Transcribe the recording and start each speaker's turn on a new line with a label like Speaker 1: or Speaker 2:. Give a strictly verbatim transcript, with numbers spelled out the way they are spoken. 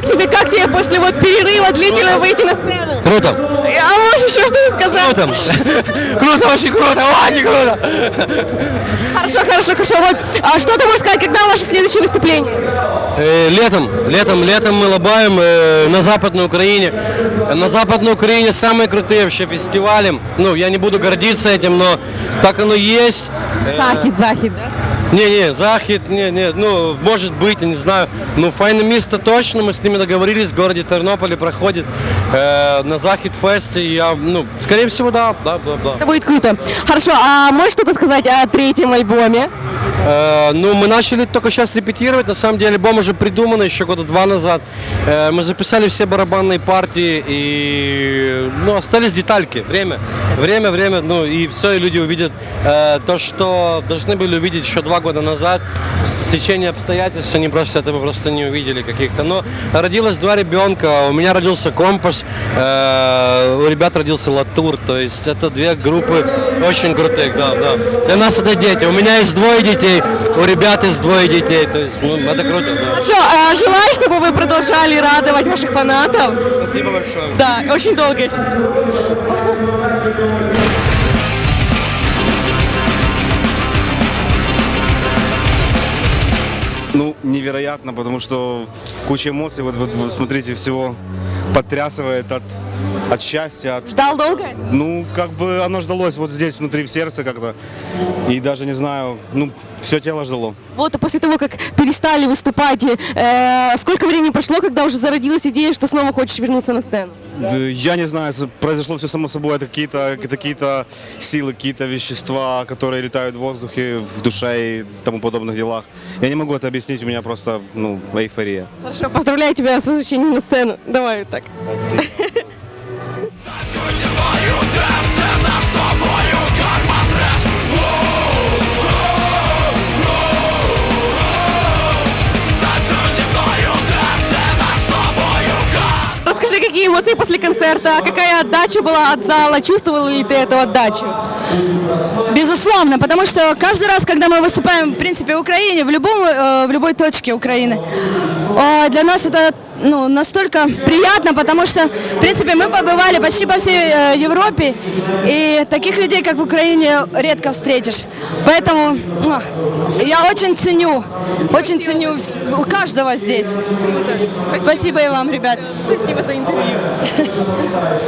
Speaker 1: тебе, как тебе после вот перерыва длительного выйти на сцену?
Speaker 2: Круто.
Speaker 1: А можешь еще что-то сказать?
Speaker 2: Круто. Круто, очень круто, очень круто.
Speaker 1: Хорошо, хорошо, хорошо. Вот, а что ты можешь сказать, когда ваше следующее выступление?
Speaker 2: Э, летом, летом, летом мы лобаем э, на Западной Украине. На Западной Украине самые крутые вообще фестивали. Ну, я не буду гордиться этим, но так оно есть.
Speaker 1: Захід, захід, да?
Speaker 2: Не-не, Захід, не, не, ну, может быть, я не знаю. Ну, Файне Місто точно, мы с ними договорились, в городе Тернополе проходит э, на Захід фесте. Я, ну, скорее всего, да, да, да, да.
Speaker 1: Это будет круто. Хорошо, а можешь что-то сказать о третьем альбоме?
Speaker 2: Э, ну, мы начали только сейчас репетировать. На самом деле, альбом уже придуман еще года два назад. Э, мы записали все барабанные партии и, ну, остались детальки. Время, время, время. Ну, и все, и люди увидят э, то, что должны были увидеть еще два года назад. В течение обстоятельств они просто этого просто не увидели каких-то. Но родилось два ребенка. У меня родился Компас, э, у ребят родился Латур. То есть это две группы очень крутых, да, да. Для нас это дети. У меня есть двое детей, у ребят есть двое детей. То есть, ну, это круто, да.
Speaker 1: Хорошо, а желаю, чтобы вы продолжали радовать ваших фанатов.
Speaker 2: Спасибо большое.
Speaker 1: Да, очень долго.
Speaker 3: Ну, невероятно, потому что куча эмоций, вот, вот, вот смотрите, всего потрясывает от, от счастья, от,
Speaker 1: Ждал долго?
Speaker 3: ну, как бы оно ждалось вот здесь, внутри, в сердце как-то, и даже, не знаю, ну, все тело ждало.
Speaker 1: Вот, а после того, как перестали выступать, э, сколько времени прошло, когда уже зародилась идея, что снова хочешь вернуться на сцену?
Speaker 3: Да, я не знаю, произошло все само собой, это какие-то какие-то силы, какие-то вещества, которые летают в воздухе, в душе и тому подобных делах. Я не могу это объяснить, у меня просто, ну, эйфория.
Speaker 1: Хорошо, поздравляю тебя с возвращением на сцену. Давай вот так. Расскажи, какие эмоции после концерта, какая отдача была от зала, чувствовала ли ты эту отдачу?
Speaker 4: Безусловно, потому что каждый раз, когда мы выступаем, в принципе, в Украине, в, любом, э, в любой точке Украины, э, для нас это ну, настолько приятно, потому что, в принципе, мы побывали почти по всей э, Европе, и таких людей, как в Украине, редко встретишь. Поэтому э, я очень ценю, очень ценю вс- у каждого здесь. Спасибо и вам, ребят.
Speaker 1: Спасибо за интервью.